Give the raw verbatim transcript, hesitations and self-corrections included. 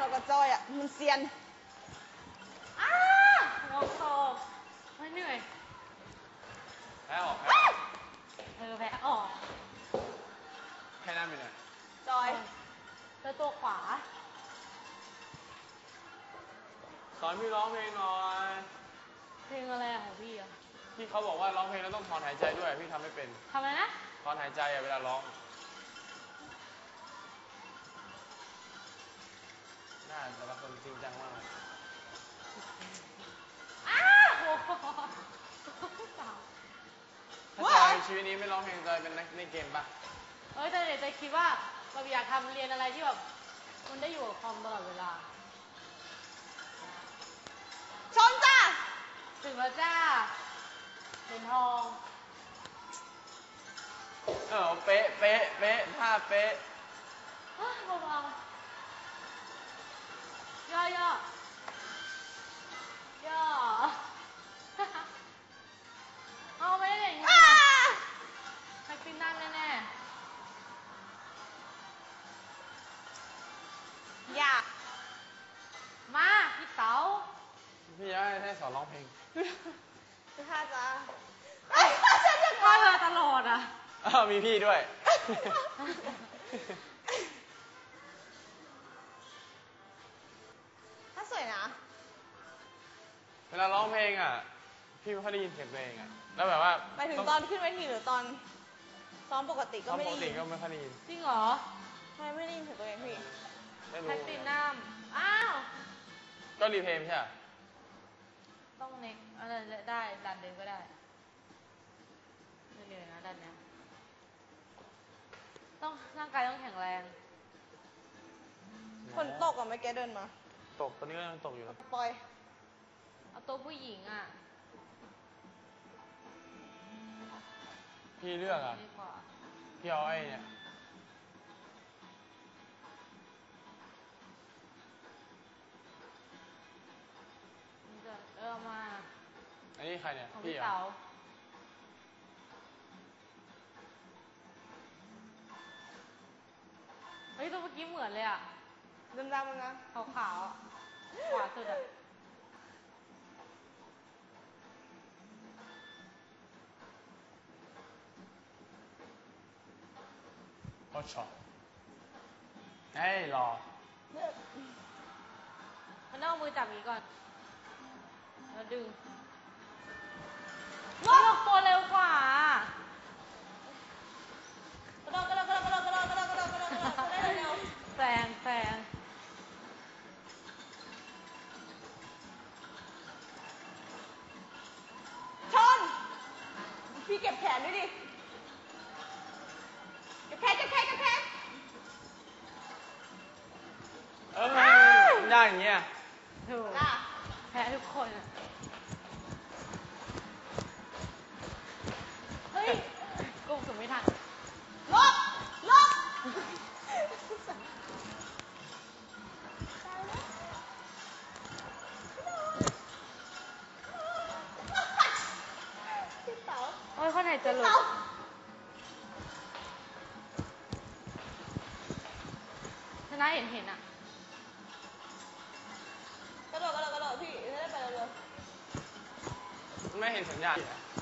เรากับจอยอ่ะมันเซียนอ้าลงโตไม่เหนื่อยแพ้ออกแพ้เออแพ้ออกแค่นั้นไปเลยจอยเจอตัวขวาสอนพี่ร้องเพลงหน่อยเพลงอะไรของพี่อ่ะที่เขาบอกว่าร้องเพลงแล้วต้องถอนหายใจด้วยพี่ทำไม่เป็นทำอะไรนะถอนหายใจอะเวลาร้องน่าแต่ละคนจริงจังมากอ้าวโอ้โหถ้าจอยชีวิตนี้ไม่ร้องเพลงจอยเป็นนักในเกมปะเอ้ยแต่เดี๋ยวจะคิดว่าเราอยากทำเรียนอะไรที่แบบมันได้อยู่กับคอมตลอดเวลาชนจ้าถึงแล้วจ้าเหรียญทองเออเป๊ะเป๊ะเป๊ะท่าเป๊ะเบาๆย่อย่อย่อเอาไม่ได้อย่างนี้ใครปีนน้ำแน่ๆอยากมาพี่เต๋าพี่อยากให้ให้สอนร้องเพลงพี่ท่าจ้าพ่อเธอตลอดอ่ะอ้าวมีพี่ด้วยถ้าสวยนะเวลาร้องเพลงอ่ะพี่ไม่ค่อยได้ยินเสียงตัวเองอ่ะแล้วแบบว่าไปถึงตอนขึ้นเวทีหรือตอนซ้อมปกติก็ไม่ได้ยินปกติก็ไม่ค่อยได้ยินจริงเหรอทำไมไม่ได้ยินเสียงตัวเองพี่แพตตินัมอ้าวก็รีเพลย์ใช่ไหมต้องเน็กอะไรได้ดันเดินก็ได้ไม่เหนื่อยนะดันเนี้ยต้องร่างกายต้องแข็งแรงฝนตกอ่ะเมื่อกี้เดินมาตกตอนนี้ก็ยังตกอยู่นะปล่อยเอาตัวผู้หญิงอ่ะพี่เลือกอ่ะพี่เอาไอ้เนี่ยเออมาอันนี้ใครเนี่ยพี่เต๋าเฮ้ยตัวเมื่อกี้เหมือนเลยอ่ะดำๆมันนะขาวขาวขวาสุดอ่ะโอ้ช็อตเฮ้ยรอมันต้องเอามือจับนี้ก่อนแล้วดึงลกตัวเร็วกว่ากระโดดกระโดดกระโดดกระโดดกระโดดกระโดดกระโดดกระโดดกระโดดได้เร็วแซงแซงชนพี่เก็บแขนด้วยดิเก็บแขนเก็บแขนเก็บแขนเออได้อย่างเงี้ยถูกแพ้ทุกคนอ่ะเฮ้ยกูถึงไม่ทันลบลบพี่เต๋าโอ้ยคนไหนจะหลุดชนะเห็นเห็นอ่ะกระโดดกระโดดกระโดดพี่จะได้ไปเร็วไม่เห็นสัญญาณ